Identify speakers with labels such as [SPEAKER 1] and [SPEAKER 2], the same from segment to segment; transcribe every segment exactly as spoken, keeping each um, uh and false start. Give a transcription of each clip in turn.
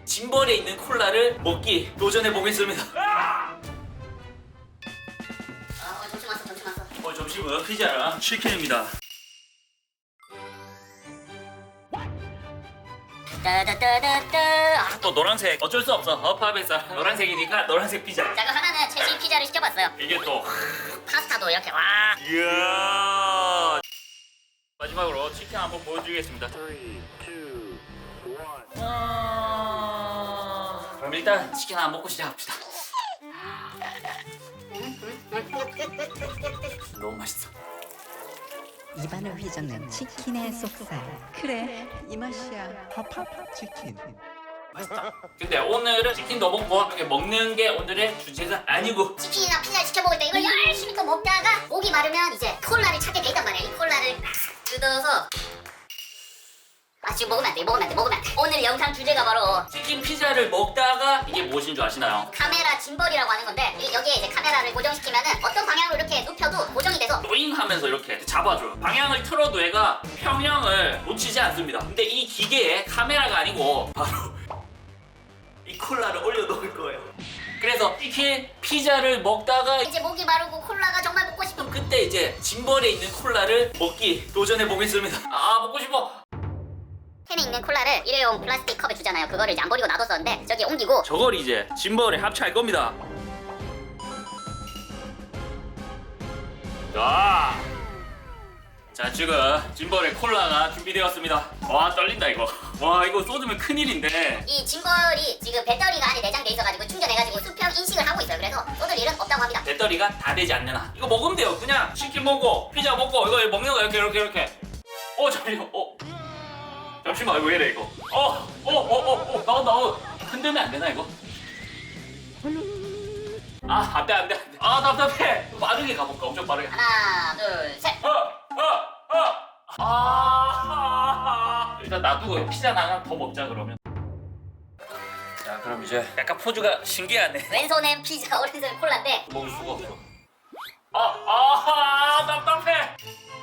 [SPEAKER 1] 짐벌에 있는 콜라를 먹기 도전해 보겠습니다.
[SPEAKER 2] 아, 어, 점심 왔어, 점심 왔어.
[SPEAKER 1] 어, 점심은 피자랑 치킨입니다.
[SPEAKER 2] 따다다다다. 아,
[SPEAKER 1] 또 노란색 어쩔 수 없어. 허파베사 노란색이니까 노란색 피자.
[SPEAKER 2] 자, 그럼 하나는 체시 피자를 시켜봤어요.
[SPEAKER 1] 이게 또
[SPEAKER 2] 파스타도 이렇게 와.
[SPEAKER 1] 이야. 마지막으로 치킨 한번 보여드리겠습니다. 아... 그럼 일단 치킨 하나 먹고 시작합시다. 너무 맛있어.
[SPEAKER 3] 입안을 휘젓는 치킨의 속살. 그래, 이 맛이야.
[SPEAKER 4] 파파파 치킨.
[SPEAKER 1] 맛있다. 근데 오늘은 치킨도 먹고 이렇게 먹는 게 오늘의 주제가 아니고
[SPEAKER 2] 치킨이나 피자를 시켜 먹을 때 이걸 열심히 또 먹다가 목이 마르면 이제 콜라를 찾게 돼 있단 말이야. 이 콜라를 뜯어서 아 지금 먹으면 안 돼, 먹으면 안 돼, 먹으면 안 돼. 오늘 영상 주제가 바로
[SPEAKER 1] 치킨 피자를 먹다가 이게 무엇인 줄 아시나요?
[SPEAKER 2] 카메라 짐벌이라고 하는 건데 이- 여기에 이제 카메라를 고정시키면은 어떤 방향으로 이렇게 눕혀도 고정이 돼서
[SPEAKER 1] 로잉 하면서 이렇게 잡아줘요. 방향을 틀어도 얘가 평형을 놓치지 않습니다. 근데 이 기계에 카메라가 아니고 바로 이 콜라를 올려놓을 거예요. 그래서 치킨 피자를 먹다가
[SPEAKER 2] 이제 목이 마르고 콜라가 정말 먹고 싶은
[SPEAKER 1] 그때 이제 짐벌에 있는 콜라를 먹기 도전해 보겠습니다. 아 먹고 싶어.
[SPEAKER 2] 캔에 있는 콜라를 일회용 플라스틱 컵에 주잖아요. 그거를 이제 안 버리고 놔뒀었는데 저기 옮기고
[SPEAKER 1] 저걸 이제 짐벌에 합체할 겁니다. 자, 자 지금 짐벌에 콜라가 준비되었습니다. 와 떨린다 이거. 와 이거 쏟으면 큰일인데.
[SPEAKER 2] 이 짐벌이 지금 배터리가 안에 내장돼 있어가지고 충전해가지고 수평 인식을 하고 있어요. 그래서 쏟을 일은 없다고 합니다.
[SPEAKER 1] 배터리가 다 되지 않는 한 이거 먹으면 돼요. 그냥 치킨 먹고 피자 먹고 이거 먹는 거 이렇게 이렇게 이렇게. 어 잠시만. 어 잠시만 이거 왜 이래 이거. 어어어어어 나온다. 어. 흔들면 안 되나 이거? 아 안돼 안돼 안돼. 아 답답해. 빠르게 가볼까? 엄청 빠르게.
[SPEAKER 2] 하나, 둘, 셋.
[SPEAKER 1] 어, 어, 어. 아, 일단 놔두고 피자 하나 더 먹자 그러면. 자, 그럼 이제 약간 포즈가 신기하네.
[SPEAKER 2] 왼손엔 피자, 오른손엔 콜라인데
[SPEAKER 1] 먹을 수가 없어. 아, 아, 답답해.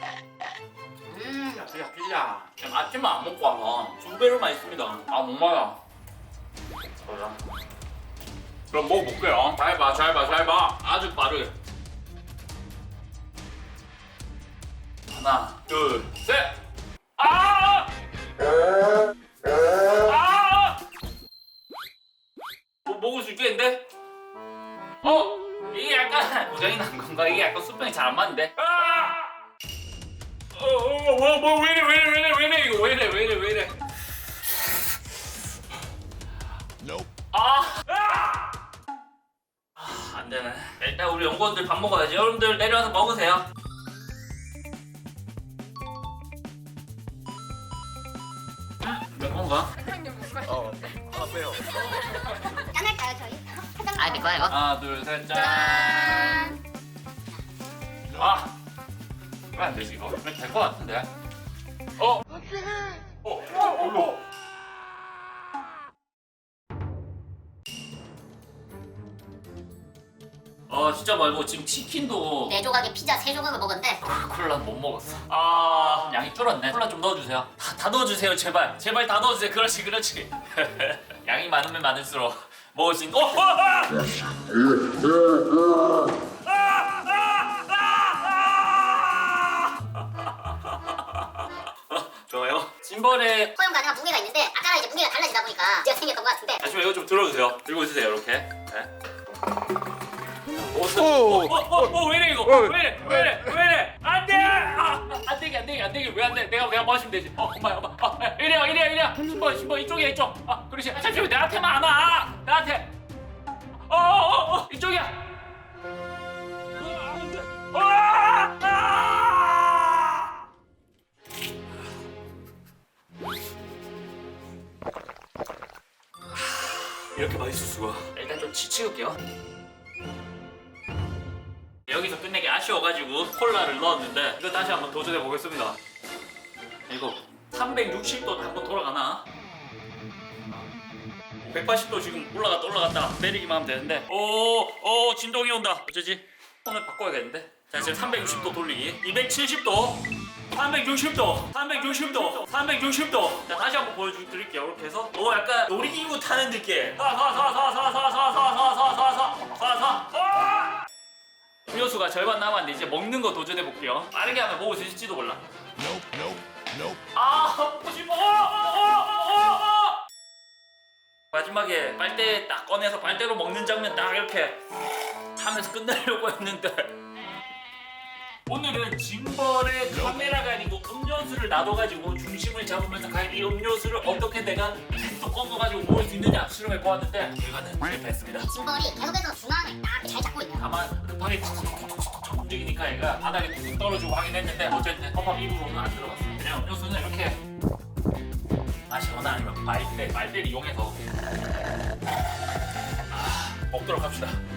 [SPEAKER 2] 음,
[SPEAKER 1] 야, 피자, 피자. 지금 아침만 안 먹고 와서 두 배로 맛있습니다. 아, 못 말아. 그래. 그럼 먹어볼게요. 잘 봐, 잘 봐, 잘 봐. 아주 빠르게. 하나, 둘, 셋. 아! 아! 뭐 먹을 수 있겠는데? 어? 이게 약간 고장이 난 건가? 이게 약간 수평이 잘 안 맞는데? 아! 어, 어, 뭐, 뭐, 왜 이래, 왜 이래, 왜 이래, 왜 이래, 이거 왜 이래, 왜 이래, 왜 이래? 아! 아! 아, 안 되네. 일단 우리 연구원들 밥 먹어야지. 여러분들 내려와서 먹으세요. 몇 건가?
[SPEAKER 4] 어, 하나 빼요.
[SPEAKER 2] 짠할까요 저희? 아, 이거 이거.
[SPEAKER 1] 하나, 둘, 셋, 짠.
[SPEAKER 2] 짠.
[SPEAKER 1] 아! 왜 안 되지 이거? 될것 같은데? 어? 어? 어? 어? 아 진짜 말고 지금 치킨도
[SPEAKER 2] 네 조각에 피자 세 조각을 먹었는데
[SPEAKER 1] 아, 콜라 못 먹었어. 아 양이 줄었네. 콜라 좀 넣어주세요. 다, 다 넣어주세요 제발. 제발 다 넣어주세요. 그렇지 그렇지. 양이 많으면 많을수록 먹을 수 있는. 어! 어! 아! 좋아요. 짐벌에
[SPEAKER 2] 허용 가능한 무게가 있는데 아까랑 이제 무게가 달라지다 보니까 문제가 생겼던 것 같은데
[SPEAKER 1] 잠시만 이거 좀 들어주세요. 들고 있으세요 이렇게. 네. 오,
[SPEAKER 4] 오!
[SPEAKER 1] 어, 어, 어, 왜 이래 이거? 왜 이래? 왜 이래? 왜 이래? 안 돼! 아, 안 되게 안 되게 안 되게 왜 안 돼? 내가 내가 마시면 되지. 어, 엄마 엄마. 아, 이래요 이래요 이래요. 신발 신발 이쪽이야 이쪽. 아, 그렇지. 아, 잠시만 나한테만 안 와. 나한테. 어, 어, 어, 이쪽이야. 아, 안 돼. 어, 아! 이렇게 맛있을 수가. 일단 좀 치치울게요. 여기서 끝내기 아쉬워가지고 콜라를 넣었는데 이거 다시 한번 도전해 보겠습니다. 이거 삼백육십 도 한번 돌아가나? 백팔십 도 지금 올라갔다 올라갔다 내리기만 하면 되는데 오오 진동이 온다. 어쩌지? 폰을 바꿔야겠는데. 자 지금 삼백육십 도 돌리기 이백칠십 도 삼백육십 도, 삼백육십 도, 삼백육십 도. 자, 다시 한번 보여드릴게요. 이렇게 해서 오, 약간 놀이기구 타는 느낌. 사사사사사사사사사사사사사. 음료수가 절반 남았는데 이제 먹는 거 도전해 볼게요. 빠르게 하면 먹을 수 있을지도 몰라. 아, 먹고 싶어. 마지막에 빨대 딱 꺼내서 빨대로 먹는 장면 딱 이렇게 하면서 끝내려고 했는데. 오늘은 짐벌의 카메라가 아니고 음료수를 놔둬가지고 중심을 잡으면서 과연 이 음료수를 어떻게 내가 또 꺾어가지고 먹을 수 있느냐 실험해 보았는데 결과는 실패했습니다.
[SPEAKER 2] 짐벌이 계속해서 중앙을 딱 잘 잡고 있네요.
[SPEAKER 1] 다만 급하게 툭툭툭툭 움직이니까 얘가 바닥에 툭 떨어지고 하긴 했는데 어쨌든 컵밥 입으로는 안 들어갔어요. 그냥 음료수는 이렇게 마시거나 아니면 빨대, 빨대를 이용해서 아, 먹도록 합시다.